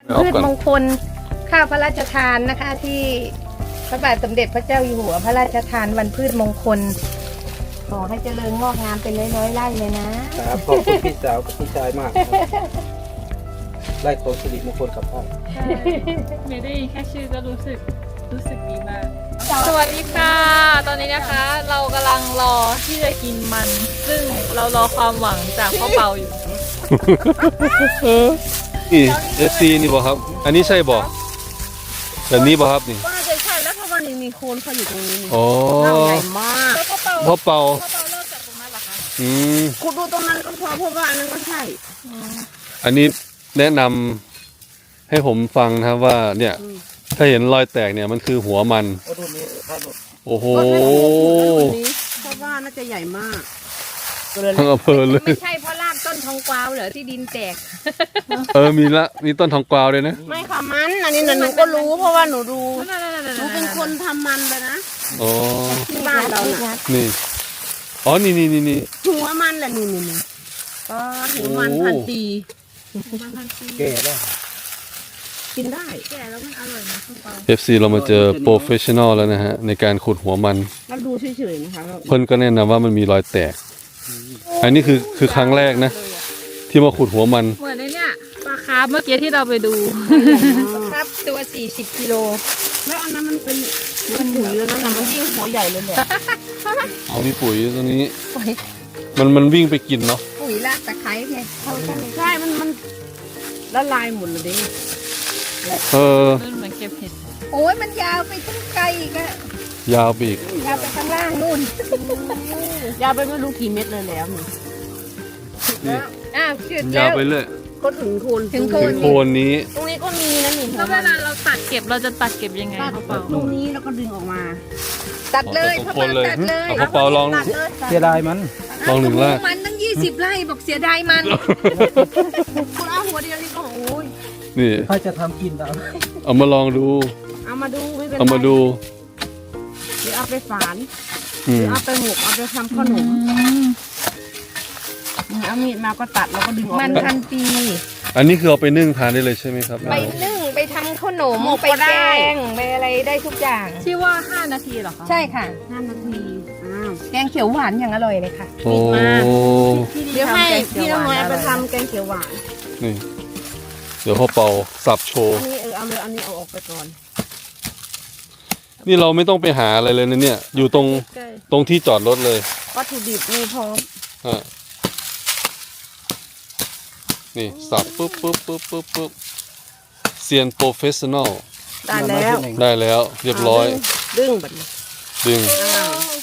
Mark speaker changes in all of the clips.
Speaker 1: พืชมงคลข้าวพระราชทานนะคะที่พระบาทสมเด็จพระเจ้าอยู่หัวพระราชทานวันพืชมงคลขอให้เจริญงอกงามเป็นร้อยๆไร่เลยนะครับ
Speaker 2: ขอบคุณพี่สาวกับพี่ชายมากไล่ของสิริมงคลกับพ่อ
Speaker 3: ไม่ได้ยินแค่ชื่อก็รู้สึกดีมาก สวัสดีค่ะ ตอนนี้นะคะเรากำลังรอที่จะกินมัน ซึ่งเรารอความหวังจากพ่อเปาอยู่
Speaker 4: นี่ FC นี่บอกครับ อันนี้ใช่บอกแบบนี้บอกครับนี่
Speaker 5: ก็น่าจะใช่แล้วเพราะว่านี่มีโคนเขาอยู่ตรงนี้นี่
Speaker 4: อ๋อ
Speaker 5: ร่างใหญ่มาก
Speaker 3: แล้วพ่อเปา
Speaker 4: พ่อเป่า
Speaker 3: เริ่มจากตรงนั้นเหรอคะ
Speaker 4: อืม
Speaker 5: คุณดูตรงนั้นก็พอเพราะว่าอันนั้นก็ใช่
Speaker 4: อันนี้แนะนำให้ผมฟังนะครับว่าเนี่ย ถ้าเห็นรอยแตกเนี่ยมันคือหัวมัน
Speaker 2: โอ้ดูนี่ท่าน
Speaker 4: โอ้โห
Speaker 5: ก็ไม่ถูกนี้เพราะว่าน่าจะใหญ่มาก
Speaker 4: ทั้งอำเภอเลย
Speaker 1: ไม่ใช่เพราะรากต้นทองกวาวเหรอที่ดินแตก
Speaker 4: มีต้นทองกวาวเลยนะ
Speaker 5: ไม่ค่ะมันอันนี้หนูก็รู้เพราะว่าหนูดู
Speaker 3: นั่น
Speaker 5: หนูเป็นคนทำมันเลยนะ
Speaker 4: อ๋อ
Speaker 5: ที่บ้านเราน่ะ
Speaker 4: นี่ อ๋อ นี่
Speaker 5: หัวมันแหละนี่ก็หัวมันพันปี
Speaker 2: แก่แล้ว
Speaker 5: กินได้
Speaker 3: แก่แล้วมันอร่อยนะพ่อเปา
Speaker 4: FC เรามาเจอโปรเฟชชั่นอลแล้วนะฮะ ในการขุดหัวมัน
Speaker 5: แล้วดูเฉยๆนะคะแล้ว
Speaker 4: เพิ่นก็แนะนำว่ามันมีรอยแตก อันนี้คือครั้งแรกนะ ที่มาขุดหัวมัน
Speaker 3: เหมือนในเนี่ยปลาคาร์ฟเมื่อกี้ที่เราไปดู
Speaker 1: ครับตัว40 กิโล
Speaker 5: แล้วอันนั้นมันเป็นปุ๋ยแล้วนั่นน่ะมันยิ่งหัวใหญ่เลยแหละ
Speaker 4: เอามีปุ๋ยตรงนี้
Speaker 1: ปุ๋ย
Speaker 4: มันวิ่งไปกินเนาะ
Speaker 1: ปุ๋ยรากตะไคร้ไงเข้ากัน
Speaker 5: ใช่มันละลายหมดเลยดิ
Speaker 4: เออ
Speaker 3: มันเหมือนเก็บเห็ด
Speaker 1: โอ้ยมันยาวไปทั้งไกลอีกอะ
Speaker 4: ยาวไปอีก
Speaker 1: ยาวไปข้างล่างนู่น
Speaker 5: ยาวไปไม่รู้กี่เม็ดเลยแล้วนี่
Speaker 4: นี่
Speaker 1: อ้าวชืด
Speaker 4: ยา
Speaker 1: แล้ว ว
Speaker 4: ไปเรื่อย
Speaker 5: ก็ถึงโคน
Speaker 1: ถึงโค
Speaker 4: ถึงโคนนี้
Speaker 5: ตรงนี้ก็มีนะนี่
Speaker 3: แล้วเวลาเราตัดเก็บเราจะตัดเก็บยังไง
Speaker 5: ตัด
Speaker 3: พ่อเปา
Speaker 5: ตรงนี้แล้วก็ดึงออกมา
Speaker 1: ตัดเลย
Speaker 4: ตรง
Speaker 1: พ่อ
Speaker 4: โคนเลย
Speaker 1: ตัดเลย
Speaker 4: เอากระเป๋าลอง
Speaker 5: ตัดเลย
Speaker 2: เสียดายมัน
Speaker 4: ลองหนึ่งล่าง
Speaker 1: มันตั้ง20 ไร่บอกเสียดายมัน
Speaker 5: คุณเอาหัวเดียวนี่ก็โอ้ย
Speaker 4: นี่
Speaker 2: ถ้าจะทำกินแล้ว
Speaker 4: เอามาลองดู
Speaker 5: เอามาดูไม่เป็นไร
Speaker 4: เอามาดู
Speaker 5: หรือเอาไปฝานห
Speaker 4: อื
Speaker 5: รื
Speaker 4: ม
Speaker 5: อเอาไปหมกเอาไปทำขนมเอามีดมาก็ตัดแล้วก็ดึงออก
Speaker 1: มัน
Speaker 5: มา
Speaker 1: พันปี
Speaker 4: อันนี้คือเอาไปนึ่งทานได้เลยใช่ไหมครับ
Speaker 1: ไปนึ่งไปทำขนม
Speaker 5: หมก
Speaker 1: ไป
Speaker 5: ก็
Speaker 1: แก
Speaker 5: ได้
Speaker 1: งไปอะไรได้ทุกอย่าง
Speaker 3: ที่ว่า5 นาทีเหรอคะ
Speaker 1: ใช่ค่ะ
Speaker 5: 5 นาทีอ้าว
Speaker 1: แกงเขียวหวานอย่างอร่อยเลยค่ะ
Speaker 4: โอ้
Speaker 5: เดี๋ยวให้พี่น้องน้อยเอาไปทำแกงเขียวหวาน
Speaker 4: นี่ เดี๋ยวพ่อเป่าสับโชว์
Speaker 5: อันนี้เอาเลยอันนี้เอาออกไปก่อน
Speaker 4: นี่เราไม่ต้องไปหาอะไรเลยนะเนี่ย อยู่ตรงที่จอดรถเลย
Speaker 5: วัตถุดิบมีพร้อม
Speaker 4: ฮะนี่สับปุ๊บเซียนโปรเฟชชั่นอล
Speaker 5: ได้แล้ว
Speaker 4: ได้แล้วเรียบร้อย
Speaker 5: ดึงแบบนี้
Speaker 4: ดึง
Speaker 5: อ้าว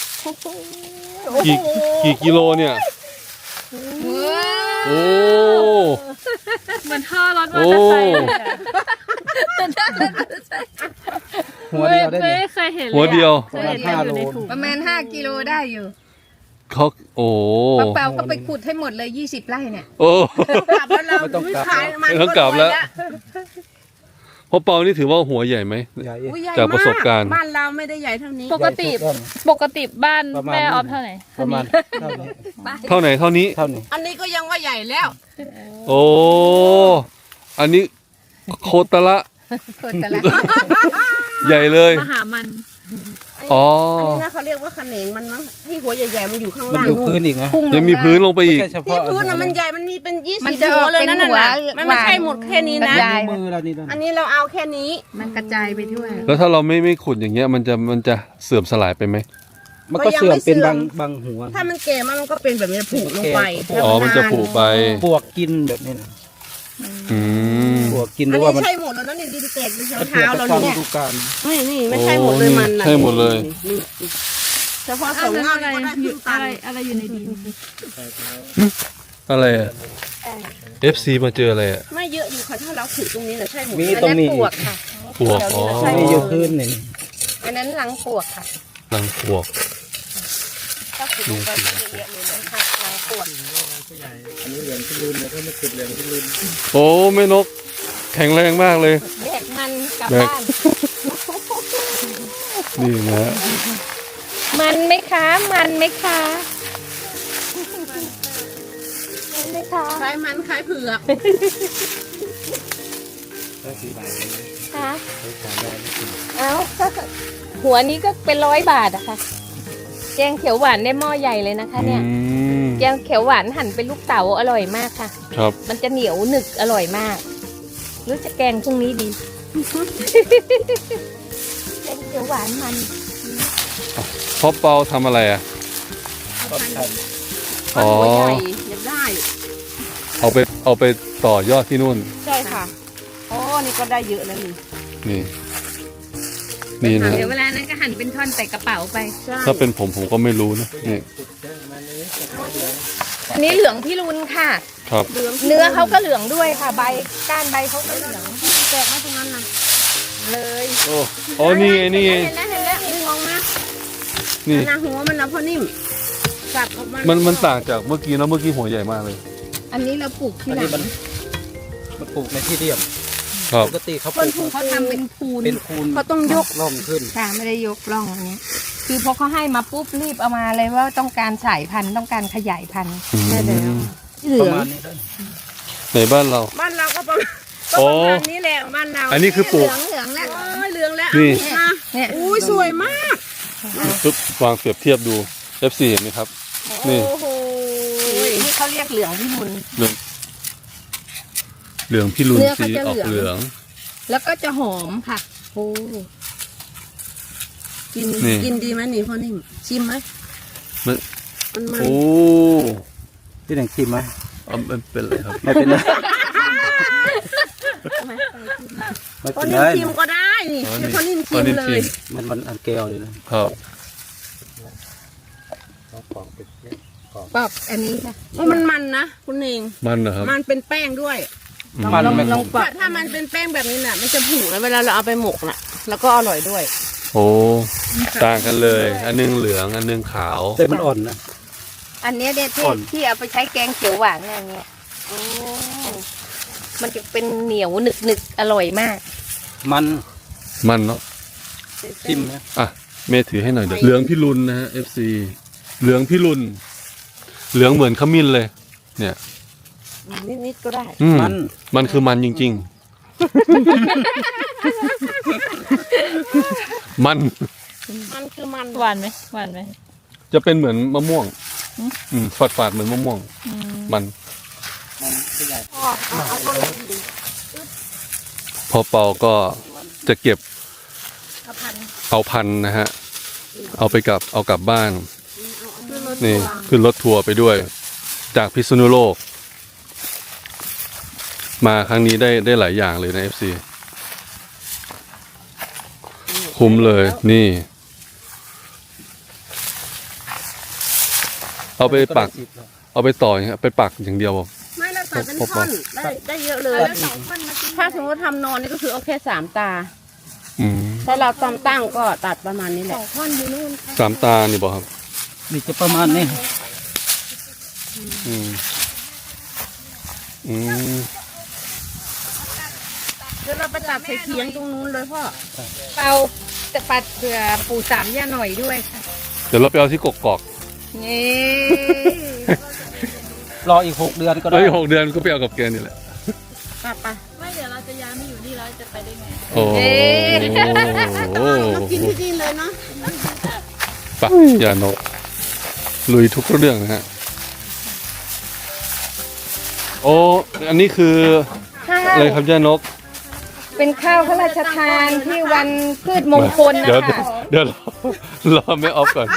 Speaker 4: กี่กิโลเนี่ย โอ้
Speaker 3: เหมือนท่อรถมอเตอร์ไซค์เลยอะ
Speaker 2: หัวเดียวได้ไหม
Speaker 3: ไม่เคยเห็นเลยอะ
Speaker 4: หัวเดียว
Speaker 3: เคยเห็นแต่อยู่ในถุง
Speaker 1: ประมาณ5 กิโลได้อยู่
Speaker 4: เขาโอ้
Speaker 1: ป้าเปาก็ไปขุดให้หมดเลย20 ไร่เนี่ย
Speaker 4: โอ้
Speaker 5: กลับแล้วเรา
Speaker 2: ไม่ต้องกลับ
Speaker 5: ขายมัน
Speaker 4: ไม่ต้องกลับแล้ว พ่อเปานี่ถือว่าหัวใหญ่ไหม
Speaker 2: ใหญ่
Speaker 5: อุ๊ยใหญ่
Speaker 4: จากประสบการณ์
Speaker 5: บ้านเราไม่ได้ใหญ่เท่านี้
Speaker 3: ปกติ
Speaker 2: ใหญ่สุด
Speaker 3: ปกติบ้าน
Speaker 2: ประมาณ
Speaker 3: แม่
Speaker 2: นี้
Speaker 3: ออฟเท่าไหร่
Speaker 2: ประมาณเท่านี้
Speaker 4: เท่าไหนเท่านี้
Speaker 2: เท่านี้
Speaker 5: อันนี้ก็ยังว่าใหญ่แล้ว
Speaker 4: โอ้ อันนี้โคตรละ
Speaker 1: คนแต่ละ
Speaker 4: ใหญ่เลย
Speaker 3: มหามัน
Speaker 4: อ๋อ
Speaker 5: อันนี้นะเขาเรียกว่าขนงมันมั้งที่หัวใหญ่ๆมันอยู่ข้าง
Speaker 2: มัน
Speaker 5: ล่าง
Speaker 2: อยู่
Speaker 5: นู่
Speaker 2: พื้น
Speaker 5: น
Speaker 2: อีกนะ
Speaker 1: พุ่งล
Speaker 4: ยังมีพื้นลงไป
Speaker 2: ไม่
Speaker 4: อีก
Speaker 2: ใช่เฉ
Speaker 5: ที่
Speaker 2: พาะ
Speaker 5: พื้นน่ะมันใหญ่มันมีเป็น
Speaker 1: มัน
Speaker 5: 20
Speaker 1: จะ
Speaker 5: หั
Speaker 1: อ
Speaker 5: ว
Speaker 1: อก
Speaker 5: เลย
Speaker 1: เป็น
Speaker 5: นั่น
Speaker 1: หัว
Speaker 5: น่ะมันไม่ใช่หมดแค่นี้นะ
Speaker 1: กระจาย
Speaker 2: มือเรานี่นะ
Speaker 5: อันนี้เราเอาแค่นี้
Speaker 1: มันกระจายไปทั่ว
Speaker 4: แล้วถ้าเราไม่ขุดอย่างเงี้ยมันจะเสื่อมสลายไปไหม
Speaker 2: มันก็เสื่อมเป็นบางหัว
Speaker 5: ถ้ามันแก่มันก็เป็นแบบนี้ผุลงไป
Speaker 4: อ๋อ มันจะผุไป
Speaker 2: ปวกกินแบบนี้นะ
Speaker 4: อืม
Speaker 2: ปวกกินห
Speaker 5: อั
Speaker 2: รื
Speaker 5: น
Speaker 2: อว่า
Speaker 5: นี้
Speaker 2: มัน
Speaker 5: ใช่หมดแล้วนั่นนี่ดินแตกดิน
Speaker 2: มัน
Speaker 5: เท้า
Speaker 2: ปวก
Speaker 5: เรา
Speaker 2: ตามฤ
Speaker 5: เนี่ย
Speaker 2: ดูกาล
Speaker 5: นี่ไม่ใช่หมดเลยมันนะ
Speaker 4: ใช่หมดเลย
Speaker 5: นี่เฉพาะสองเงานี่ก็ได้ครึ่งตัน
Speaker 3: อะไรอยู่ในดิน
Speaker 4: อะไรอ่ะ FC มาเจออะไรอ่ะ
Speaker 5: ไม่เยอะอยู่ค่ะถ้าเราถือตรงนี้นะใช่หมด
Speaker 2: มี
Speaker 1: อัน
Speaker 2: ตรง
Speaker 1: นั้น
Speaker 2: นี้
Speaker 1: ป
Speaker 2: อี
Speaker 1: ว
Speaker 2: ก
Speaker 1: กค่ะ
Speaker 4: ปวก อ๋อ
Speaker 2: มีอยู่พื้นหนึ่ง
Speaker 1: อันนั้นหลังปวกค่ะ
Speaker 4: หลังปวก
Speaker 1: ถ้าขุดลงไปก็เยอะๆเลยนะคะหลังปวก
Speaker 2: อันนี้เหลืองที่ลืมแล้วก็ไม่ขุดเหลืองที่ลืม
Speaker 4: โอ้แม่นก แข็งแรงมากเลย
Speaker 1: แบกมันกลับ
Speaker 4: แบก
Speaker 1: บ้าน
Speaker 4: นี่นะ
Speaker 1: มันไหมคะ มันไหมคะมันไหมคะ
Speaker 5: คล้ายมันคล้ายเผือก
Speaker 2: ได้กี่บาท
Speaker 1: ค่ะ
Speaker 2: ได้ขายได้ไม่ถึง
Speaker 1: เอ้า หัวนี้ก็เป็น100 บาทอะค่ะ แกงเขียวหวานได้หม้อใหญ่เลยนะคะ เนี่ย
Speaker 4: อืม
Speaker 1: แกงเขียวหวานหั่นเป็นลูกเต๋าอร่อยมากค่ะ
Speaker 4: ครับ
Speaker 1: มันจะเหนียวหนึบอร่อยมาก หรือจะแกงพรุ่งนี้ดี แกงเขียวหวานมัน
Speaker 4: พ่อเปาทำอะไรอ่ะ
Speaker 2: ก็ท
Speaker 4: อ๋อ
Speaker 5: หัวใหญ่อยากได้
Speaker 4: เอาไปต่อยอดที่นู่น
Speaker 5: ใช่ค่ะอ๋อนี่ก็ได้เยอะแล้วนี่
Speaker 4: นี่ นี่นะ
Speaker 1: เดี๋ยวเวลานั้นก็หั่นเป็นท่อนใส่กระเป๋าไป
Speaker 5: ใช่
Speaker 4: ถ้าเป็นผมก็ไม่รู้นะนี่
Speaker 1: อันนี้เหลืองพี่รุนค่ะ
Speaker 4: ครับ
Speaker 5: เหลือง
Speaker 1: เนื้อเขาก็เหลืองด้วยค่ะ ใบก้านใบเขาก็เหลือง
Speaker 5: แตกมาตรงนั้นนะ
Speaker 1: เลย
Speaker 4: โอ้นี่ไงนี่ไง
Speaker 5: เห็นแล้วดึงออกมา
Speaker 4: นี่
Speaker 5: หน้าหัวมันนะพอนิ่มสับออกมา
Speaker 4: มั
Speaker 5: มัน
Speaker 4: ต่างจากเมื่อกี้นะเมื่อกี้หัวใหญ่มากเลย
Speaker 1: อันนี้เราปลูก
Speaker 2: ำ
Speaker 1: ที่
Speaker 2: อัน
Speaker 1: หลั
Speaker 2: นี้
Speaker 1: ง
Speaker 2: มันปลูกในที่เรียบ
Speaker 4: ครับ
Speaker 2: ปกติเขาป
Speaker 5: คน
Speaker 2: ลูก
Speaker 5: ผูก
Speaker 1: เขาทำเป็นพูน
Speaker 2: เป็นคูน
Speaker 5: เขาต้องยก
Speaker 2: ล่องขึ้น
Speaker 1: ค่ะไม่ได้ยกร่องอันนี้คือพอเขาให้มาปุ๊บรีบเอามาเลยว่าต้องการสายพันธุ์ต้องการขยายพันธุ์
Speaker 4: อืม
Speaker 1: ได้แล้ว
Speaker 5: เหลื
Speaker 2: ประ
Speaker 5: อง
Speaker 2: มาณนี้ได้
Speaker 4: ในบ้านเรา
Speaker 5: บ้านเราก็ประมาณ
Speaker 4: โอ้
Speaker 5: นี้แหละบ้านเรา
Speaker 4: อันนี้คือปลูก
Speaker 1: เหลืองแล้ว
Speaker 5: โอ้ยเหลืองแล้ว
Speaker 4: นี่
Speaker 5: เอามา
Speaker 1: เนี่ย
Speaker 5: อุ้ยสวยมาก
Speaker 4: ปึ๊บวางเปรียบเทียบดู FC เห็นไหมครับ นี่
Speaker 5: โอ้โห
Speaker 1: นี่เขาเรียกเหลืองพี่มุน
Speaker 4: เหลืองพี่ลุน
Speaker 1: เนื้อเขา
Speaker 4: สี
Speaker 1: จะ
Speaker 4: ออก
Speaker 1: เห
Speaker 4: เห
Speaker 1: ลื
Speaker 4: ลื
Speaker 1: อ
Speaker 4: อง ง
Speaker 1: แล้วก็จะหอมค่ะ
Speaker 5: โอ้กิน
Speaker 4: นี่
Speaker 5: กินดีไหมนี่พ่อนิ่มชิมไหม
Speaker 4: มัน
Speaker 5: มัน
Speaker 4: โอ้
Speaker 2: ที่ไหนชิมไหม
Speaker 4: เอามันเป็นอะไรครับ
Speaker 2: ไม่เป็นไรไม่
Speaker 5: พ่อ
Speaker 2: เป็น
Speaker 5: นิ่
Speaker 2: ไร
Speaker 5: มชิมก็ได้นี่
Speaker 4: อ๋อ
Speaker 5: ให้
Speaker 4: นี่
Speaker 5: พ่อนิ่ม
Speaker 4: พ่อ
Speaker 5: ชิม
Speaker 4: นิ่ม
Speaker 5: เล
Speaker 4: ชิ
Speaker 5: ย
Speaker 4: ม
Speaker 2: มันอันแก้วเลยนะครับ ปอกเป็นปอก
Speaker 1: ปอกอันนี้ค่ะ
Speaker 5: ว่ามันมันนะคุณเอง
Speaker 4: มันนะครับ
Speaker 5: มันเป็นแป้งด้วย
Speaker 2: มันไม่
Speaker 1: ลองปอก
Speaker 5: ถ้ามันเป็นแป้งแบบนี้น่ะมันจะผุแล้วเวลาเราเอาไปหมกน่ะ แล้วก็อร่อยด้วย
Speaker 4: โอ้ต่างกันเลย อันนึงเหลืองอันนึงขาว
Speaker 2: แต่มันอ่อนนะ
Speaker 1: อันเนี้ยเนี่ยที่
Speaker 2: อ่อน
Speaker 1: ที่เอาไปใช้แกงเขียวหวานเนี่ยอันเนี้ยมันจะเป็นเหนียวหนึกหนึกอร่อยมาก
Speaker 4: มันเนาะ
Speaker 2: ชิมนะ
Speaker 4: อ่ะเมย์ถือให้หน่อยเดี๋ยวเหลืองพี่ลุนนะฮะ FC เหลืองพี่ลุนเหลืองเหมือนขมิ้นเลย เนี่ย
Speaker 5: นิดๆก็ได้
Speaker 4: อืมมันคือมันจริงๆ มัน
Speaker 5: มันคือมัน
Speaker 3: หวานไหมหวานไหม
Speaker 4: จะเป็นเหมือนมะม่วง ฝาดๆเหมือนมะม่วง มัน พอเปาก็จะเก็บเอาพันธุ์นะฮะ เอากลับบ้าน นี่ขึ้นรถทัวร์ไปด้วย จากพิษณุโลก มาครั้งนี้ได้หลายอย่างเลยนะ FC คุ้มเลยนี่ เอาไปปัก เอาไปต่ออย่างเงี้ยไปปักอย่างเดียว
Speaker 5: ไม่เราตัดเป็นท่อนได้เยอะเลย ถ้าสมมติทำนอนนี่ก็คือเอาแค่3 ตา
Speaker 4: อืม
Speaker 5: ถ้าเราตำตั้งก็ตัดประมาณนี้แหละ
Speaker 4: สามตานี่บอกครับ
Speaker 2: นี่จะประมาณนี้
Speaker 4: อืม อืม
Speaker 5: เดี๋ยวเราไปตัดใส่เขียงตรงนู้นเลยพ่อ
Speaker 1: เปาจะปัดเผื่อปู่สามย่าหน่อยด้วยค่ะ
Speaker 4: เดี๋ยวเราไปเอาที่กกอก
Speaker 1: นี่
Speaker 2: รออีก6 เดือนก็
Speaker 4: ๆ
Speaker 2: ได้
Speaker 4: เอ้ย6 เดือนก็ไปเอากับแกนี่แหละ
Speaker 5: กลับไป
Speaker 3: ไม่เดี๋ยวเราจะย้ายมาอยู่นี่เราจะไปได้ไง
Speaker 4: โอ้โห
Speaker 5: มากินที่นี่เลยเนาะ
Speaker 4: ปะอย่านกลุยทุกเรื่องนะฮะ โอ้ อันนี้คือ
Speaker 1: ข้า
Speaker 4: อะไร
Speaker 1: ว
Speaker 4: ครับย่านก
Speaker 1: เป็นข้าวพระราชทานที่วันพืชมงคล
Speaker 4: เดี๋ยว
Speaker 1: นะคะ
Speaker 4: เดี๋ยวรอไม่ออฟก่อน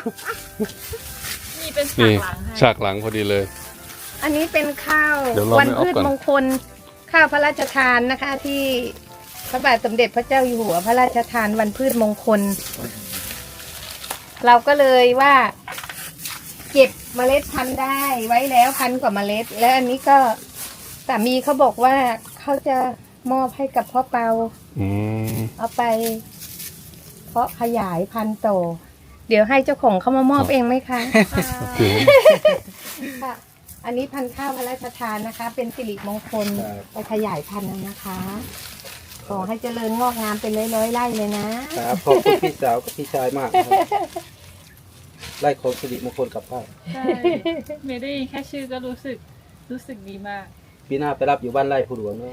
Speaker 3: นี่เป็นฉาก
Speaker 4: นี่
Speaker 3: หลังให้
Speaker 4: ฉากหลังพอดีเลย
Speaker 1: อันนี้เป็นข้าว
Speaker 4: เดี๋ยวรอ
Speaker 1: วั
Speaker 4: ไม่ออฟ
Speaker 1: พืช
Speaker 4: ก่อน
Speaker 1: มงคล ข้าวพระราชทานนะคะ ที่พระบาทสมเด็จพระเจ้าอยู่หัวพระราชทานวันพืชมงคล เราก็เลยว่า เก็บเมล็ดพันธุ์ได้ไว้แล้ว1,000 กว่าเมล็ด แล้วอันนี้ก็สามีเขาบอกว่าเขาจะมอบให้กับพ่อเปา
Speaker 4: อืม
Speaker 1: เอาไป เพาะขยายพันธุ์โต เดี๋ยวให้เจ้าของเขามามอบเองไหมคะ
Speaker 4: โอเค
Speaker 1: ค่ะ อันนี้พันธุ์ข้าวพระราชทานนะคะ เป็นสิริมงคลไปขยายพันธุ์นะคะ ขอให้เจริญงอกงามเป็นร้อยๆไร่เลยนะ
Speaker 2: ครับขอบคุณพี่สาวกับพี่ชายมากนะครับไล่ของสิริมงคลกลับบ้าน
Speaker 3: ใช่เมย์ได้ยินแค่ชื่อก็รู้สึกดีมาก
Speaker 2: ปีหน้าไปรับอยู่บ้านไร่ผู้หลวงเนาะ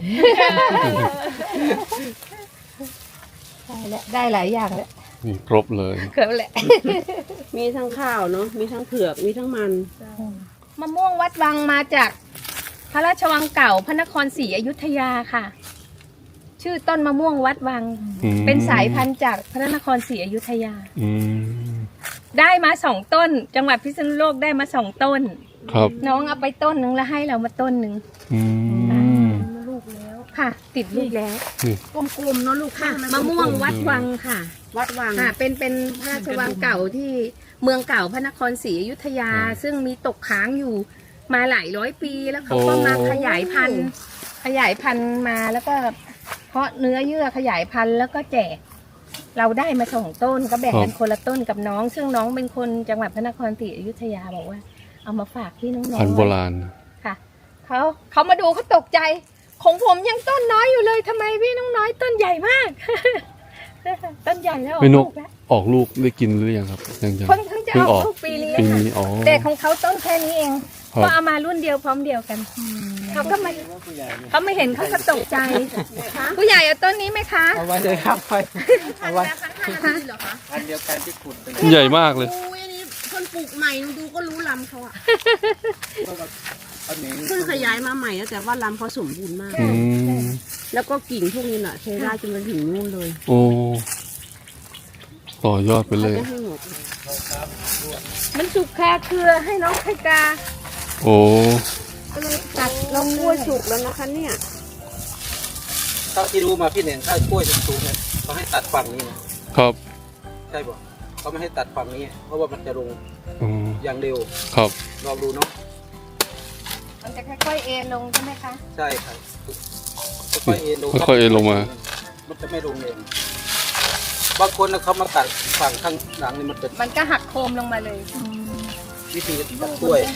Speaker 1: ได้แล้วได้หลายอย่างแล้ว
Speaker 4: นี่ครบเลย
Speaker 1: เกือบแหละ
Speaker 5: มีทั้งข้าวเนาะมีทั้งเผือกมีทั้งมัน
Speaker 1: มะม่วงวัดวังมาจากพระราชวังเก่าพระนครศรีอยุธยาค่ะ ชื่อต้นมะม่วงวัดวัง
Speaker 4: อืม
Speaker 1: เป็นสายพันธุ์จากพระนครศรีอยุธยา
Speaker 4: อืม
Speaker 1: ได้มา2 ต้น จังหวัดพิษณุโลกได้มา2 ต้น
Speaker 4: ครับ
Speaker 1: น้องเอาไปต้นนึงแล้วให้เรามาต้นนึง
Speaker 4: อืม
Speaker 5: ลูกแล้ว
Speaker 1: ค่ะ ติดลูกแล้ว
Speaker 5: กลมๆเนาะลูก
Speaker 1: ค่ะ
Speaker 5: ข้าง
Speaker 1: มะม่วงวัดวังค่ะ
Speaker 5: วัดวัง
Speaker 1: ค่ะเป็นพระราชวังเก่าที่เมืองเก่าพระนครศรีอยุธยา ซึ่งมีตกค้างอยู่มาหลายร้อยปีแล้วเขาก็มาขยายพันธุ์มาแล้วก็เพาะเนื้อเยื่อขยายพันธุ์แล้วก็แจก เราได้มา2 ต้นก็แบ่งกันคนละต้นกับน้อง ซึ่งน้องเป็นคนจังหวัดพระนครศรีอยุธยาบอกว่า เอามาฝากพี่น้องๆ
Speaker 4: พันธุ์โบราณ
Speaker 1: ค่ะเขามาดูเขาตกใจ ของผมยังต้นน้อยอยู่เลยทำไมพี่น้องน้อยต้นใหญ่มาก ต้นใหญ่แล้วออก
Speaker 4: ไม่น
Speaker 1: ลู
Speaker 4: ก
Speaker 1: กแล้ว
Speaker 4: ออกลูกได้กินหรือยังครับยัง
Speaker 1: เพิ่งจะออกลูกปีนี้
Speaker 4: ปี
Speaker 1: ค่ะ
Speaker 4: นี้อ๋อ
Speaker 1: แต่ของเขาต้นแค่นี้เอง
Speaker 4: ครับ
Speaker 1: ก็เอามารุ่นเดียวพร้อมเดียวกันเขาก็มาเขาไม่เห็นเขาก็ตกใจผู้ใหญ่เอาต้นนี้ไหมคะ
Speaker 2: เอาไว้เลยครับเอาไว้
Speaker 5: เหรอคะ
Speaker 2: อันเดียวกันที่ขุดเป็น
Speaker 4: ใหญ่มากเลย
Speaker 5: อุ้ยอันนี้คนปลูกใหม่ดูก็รู้ลำเขาอะ
Speaker 2: อันนี้
Speaker 5: เพิ่งขยายมาใหม่นะแต่ว่าลำเขาสมบูรณ์มาก
Speaker 4: อืม
Speaker 5: แล้วก็กิ่งพวกนี้น่ะใช้ได้จนไปถึงนู่นเลย
Speaker 4: โอ้ต่อยอดไปเลย
Speaker 5: จะให้หมด
Speaker 1: มันสุกแค่เครือให้น้องไข่กา
Speaker 4: โอ้
Speaker 1: ก็เลยตัดลง
Speaker 5: กล้วยสุกแล้วนะคะเนี่ย
Speaker 2: เท่าที่รู้มาพี่เน่งถ้ากล้วยสูงๆเนี่ยเขาให้ตัดฝั่งนี้นะครับ ใช่ป่ะเขาไม่ให้ตัดฝั่งนี้ เพราะว่ามันจะลง
Speaker 4: อืม
Speaker 2: อย่างเร็ว
Speaker 4: ครับ
Speaker 2: ลองดูเนาะ
Speaker 1: มันจะค่อยๆเอ็นลงใช่ไหมคะ
Speaker 2: ใช่ครับค่อยๆเอ็นลง
Speaker 4: ค่อยๆเอ็นลงมา
Speaker 2: มันจะไม่ลงเองบางคนนะเขามาตัดฝั่งข้างหลังนี่มันจะ
Speaker 1: มันก็หักโคมลงมาเลย
Speaker 2: วิธีตัดกล้วย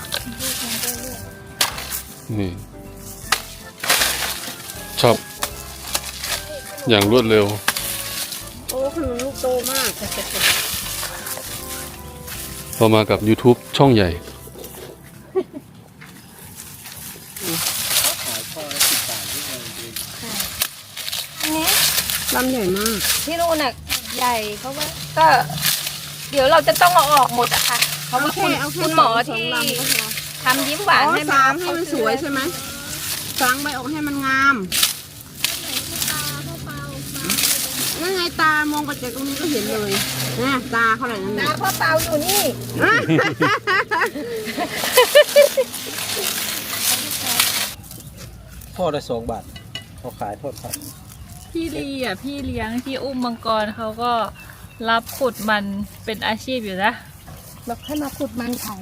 Speaker 4: นี่ชอบอย่างรวดเร็ว
Speaker 5: โอ้ขนมลูกโตมาก
Speaker 4: พอมากับ YouTube ช่องใหญ่
Speaker 1: อันนี้
Speaker 5: ลำใหญ่มาก
Speaker 1: ที่นู่นน่ะใหญ่เพราะว่าก็ เดี๋ยวเราจะต้องเอาออกหมดอะค่ะเพราะว่าคุณหมอ
Speaker 5: สอง
Speaker 1: ที่
Speaker 5: ลำก็พอ
Speaker 1: ทำยิ้มหวาน
Speaker 5: อ๋อ
Speaker 1: ให้
Speaker 5: สามให้มันสวยใช่ไหมสางใบออกให้มันงามนั่นไงตามองไปจากตรงนี้ก็เห็นเลยนะตาเขาอะไรนั่น
Speaker 1: ตา
Speaker 5: น่ะ
Speaker 1: พ่อเปาอยู่นี่
Speaker 2: พ่อได้2 บาทเขาขายทอดครับ
Speaker 3: พี่ลีอ่ะพี่เลี้ยงที่อุ้มมังกรเขาก็รับขุดมันเป็นอาชีพอยู่นะ
Speaker 1: บอกให้มาขุดมันขาย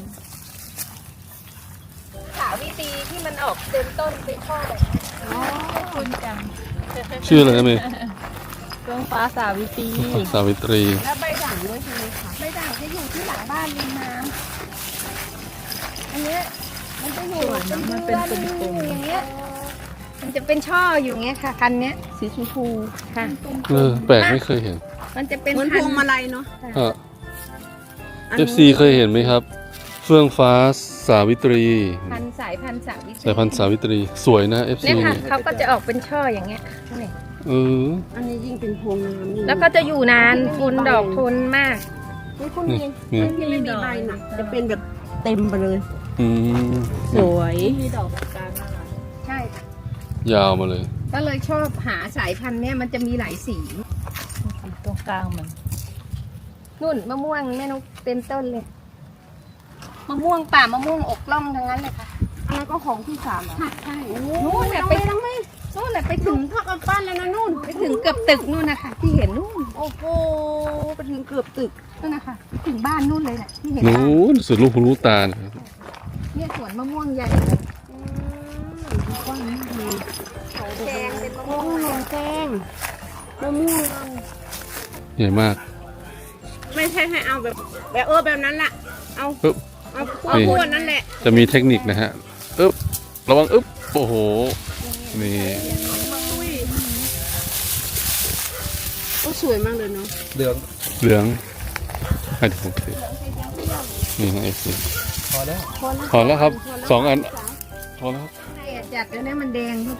Speaker 1: สาวิตรีที่มันออกเต็มต้นเป็นช่อแบบนี้
Speaker 3: อ๋อคุณจัง
Speaker 4: ชื่ออะไรนะเมย์
Speaker 3: เฟื่องฟ้าสาวิตรี
Speaker 4: สาวิตรี
Speaker 5: แล้วใบด่างด้วยใช่ไหมคะ
Speaker 1: ใบด่างจะอยู่ที่หลังบ้านริมน้ำอันเนี้ยมันจะอยู่เป็นเดือนอยู่อย่างเงี้ยมันจะเป็นช่ออยู่อย่างเงี้ยค่ะคันเนี้ย
Speaker 5: สีชมพู
Speaker 1: ค่ะ
Speaker 4: แปลกไม่เคยเห็น
Speaker 1: มันจะเป็น
Speaker 5: เหมือนพ
Speaker 1: พัน
Speaker 5: วง
Speaker 1: ธุ์
Speaker 5: มาลัยเนาะ
Speaker 1: ค่ะ
Speaker 4: FC เคยเห็นไหมครับ เฟื่องฟ้าสาวิตรี
Speaker 1: พันธุ์สายพันธุ์สาวิตรี
Speaker 4: สายพันธุ์สาวิตรี สวยนะ FC
Speaker 1: เนี่ยค่ะ
Speaker 4: นี่
Speaker 1: เขาก็จะออกเป็นช่ออย่างเงี้ยนี่
Speaker 4: เออ
Speaker 5: อันนี้ยิ่งเป็นพวงงามนี่
Speaker 1: แล้วก็จะอยู่นานทนดอกทนมาก
Speaker 5: นี่คุณ
Speaker 4: นี่
Speaker 5: มี
Speaker 4: นี่
Speaker 5: ที่ไม่มีใบน่ะจะเป็นแบบเต็มไปเลย
Speaker 4: อืม
Speaker 5: สวย
Speaker 3: มีดอกกลางน่ารัก
Speaker 1: ใช่ค่ะ
Speaker 4: ยาวมาเลย
Speaker 1: ก็เลยชอบหาสายพันธุ์เนี้ยมันจะมีหลายสี
Speaker 3: ตรงกลางมัน
Speaker 1: นุ่นมะม่วงแม่นกเต็มต้นเลยมะม่วงป่ามะม่วงอกล่องทั้งนั้นเลยค่ะ
Speaker 5: อันนั้นก็ของที่สามเหรอ
Speaker 1: ค่ะใช่
Speaker 5: นู่
Speaker 1: นู่
Speaker 5: น
Speaker 1: น
Speaker 5: น่ะ
Speaker 1: น่ะ
Speaker 5: ไป
Speaker 1: ไป
Speaker 5: ทั้งไม่
Speaker 1: นู่นน่ะไปถึ
Speaker 5: ถึ
Speaker 1: ง
Speaker 5: งพักกับปั้นแล้วนะนู่น
Speaker 1: ไปถึงเกือบตึกนู่นนะคะที่เห็นนู่น
Speaker 5: โอ้โหไปถึงเกือบตึก
Speaker 1: นู่นนะคะไปถึงบ้านนู่นเลยน่ะที่เห็นบ้าน
Speaker 4: นู้นสุดลูกหูลูกตานะครับ
Speaker 1: เนี่ยสวนมะม่วงใหญ่
Speaker 5: กว้างมากเลย
Speaker 1: แดงเป็นมะ
Speaker 5: โอ้
Speaker 1: ม่วง
Speaker 5: โหแกงมะม่วง
Speaker 4: ใหญ่มาก
Speaker 5: ไม่ใช่ให้เอาแบบแบบนั้นแหละเอา
Speaker 4: ปึ๊บ
Speaker 5: เอาพวกนั้นแหละ
Speaker 4: จะมีเทคนิคนะฮะอึ๊บระวังอึ๊บโอ้โห นี่
Speaker 5: โอ้สวยมากเลยเนาะ
Speaker 2: เหลือง
Speaker 4: เหลืองให้เดี๋ยวผมสินี่นะ FC
Speaker 2: พอแล้ว
Speaker 4: พอแล้วครับ 2 อัน พอแล้วครับ
Speaker 1: ให้อันจัดแล้วเนี่ยมันแดงเข้าไป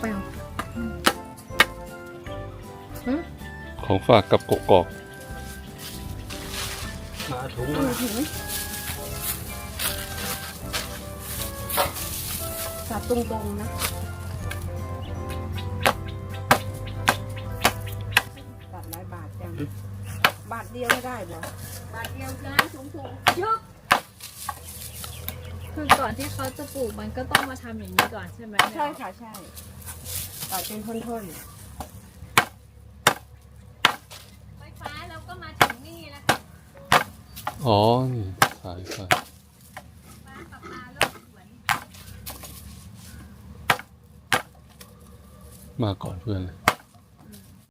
Speaker 4: ของฝากกับกกอก
Speaker 2: มาถุง
Speaker 5: สับตรงๆนะตัดหลายบาทจังบาทเดียวไม่ได้เหรอบาทเดียวจ้าสูงๆยก
Speaker 3: คือก่อนที่เขาจะปลูกมันก็ต้องมาทำอย่างนี้ก่อนใช่ไหม
Speaker 5: ใช่ค่ะใช่ตัดเป็นท่อน
Speaker 3: ไฟฟ้าเราก็มาถึงนี่แล้วค่ะ
Speaker 4: อ๋อ นี่สายไฟ
Speaker 3: ฟ้ากับปลาโลกสวน
Speaker 4: มาก่อนเพื่อนเลย